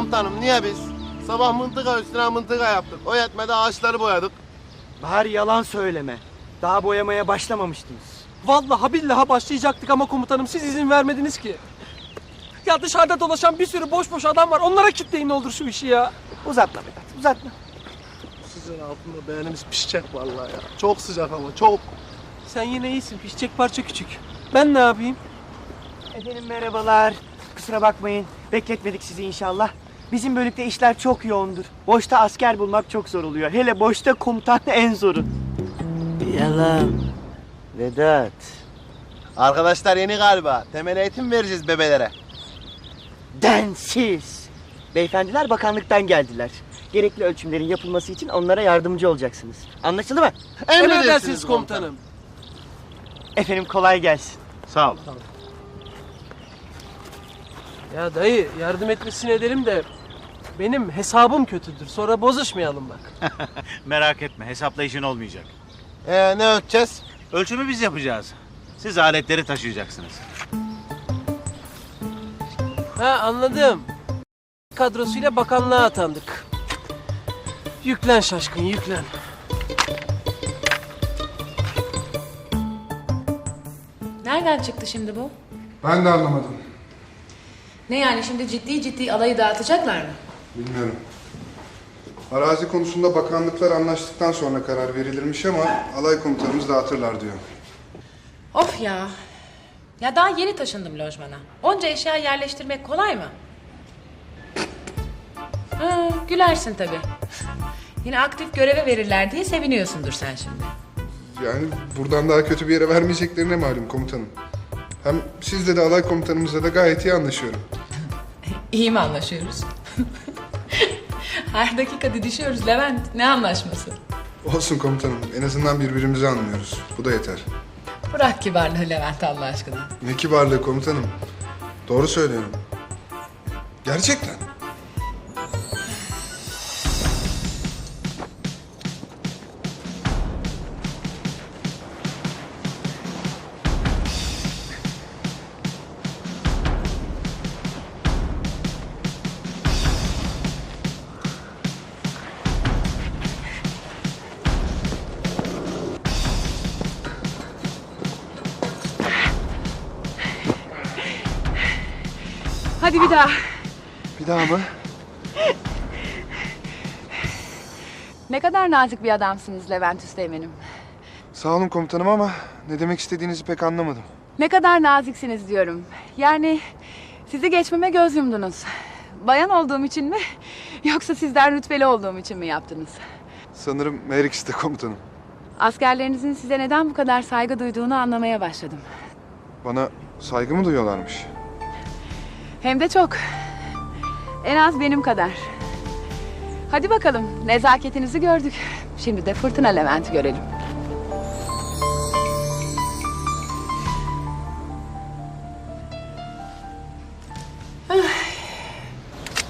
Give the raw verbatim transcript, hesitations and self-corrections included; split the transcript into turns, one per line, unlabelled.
komutanım, niye biz? Sabah mıntıka üstüne mıntıka yaptık. O yetmedi, ağaçları boyadık.
Bari yalan söyleme. Daha boyamaya başlamamıştınız.
Vallahi billahi başlayacaktık ama komutanım siz izin vermediniz ki. Ya dışarıda dolaşan bir sürü boş boş adam var. Onlara kitleyin ne olur şu işi ya.
Uzatma Vedat, uzatma.
Sizin altında beğenimiz pişecek vallahi ya. Çok sıcak ama çok.
Sen yine iyisin. Pişecek parça küçük. Ben ne yapayım?
Efendim merhabalar. Kusura bakmayın. Bekletmedik sizi inşallah. Bizim bölükte işler çok yoğundur. Boşta asker bulmak çok zor oluyor. Hele boşta komutan en zoru. Yalan. Vedat.
Arkadaşlar yeni galiba. Temel eğitim vereceğiz bebelere.
Densiz. Beyefendiler bakanlıktan geldiler. Gerekli ölçümlerin yapılması için onlara yardımcı olacaksınız. Anlaşıldı mı?
Emredersiniz komutanım.
Efendim kolay gelsin.
Sağ ol.
Ya dayı yardım etmesini edelim de benim hesabım kötüdür. Sonra bozuşmayalım bak.
Merak etme, hesaplayışın olmayacak.
Ee, ne ölçeceğiz?
Ölçümü biz yapacağız. Siz aletleri taşıyacaksınız.
Ha anladım. Kadrosuyla bakanlığa atandık. Yüklen şaşkın yüklen.
Nereden çıktı şimdi bu?
Ben de anlamadım.
Ne yani şimdi ciddi ciddi alayı dağıtacaklar mı?
Bilmiyorum. Arazi konusunda bakanlıklar anlaştıktan sonra karar verilirmiş ama alay komutanımız dağıtırlar diyor.
Of ya. Ya daha yeni taşındım lojmana. Onca eşya yerleştirmek kolay mı? Ha, gülersin tabii. Yine aktif göreve verirler diye seviniyorsundur sen şimdi.
Yani buradan daha kötü bir yere vermeyeceklerine malum komutanım. Hem sizle de alay komutanımızla da gayet iyi anlaşıyorum.
İyi mi anlaşıyoruz? Her dakika didişiyoruz Levent. Ne anlaşması?
Olsun komutanım. En azından birbirimizi anlıyoruz. Bu da yeter.
Bırak kibarlığı Levent Allah aşkına.
Ne kibarlığı komutanım. Doğru söylüyorum. Gerçekten.
Hadi bir daha.
Bir daha mı?
Ne kadar nazik bir adamsınız Levent Üsteğmen'im.
Sağ olun komutanım ama ne demek istediğinizi pek anlamadım.
Ne kadar naziksiniz diyorum. Yani sizi geçmeme göz yumdunuz. Bayan olduğum için mi yoksa sizden rütbeli olduğum için mi yaptınız?
Sanırım her ikisi de komutanım.
Askerlerinizin size neden bu kadar saygı duyduğunu anlamaya başladım.
Bana saygı mı duyuyorlarmış?
Hem de çok. En az benim kadar. Hadi bakalım nezaketinizi gördük. Şimdi de Fırtına Levent'i görelim.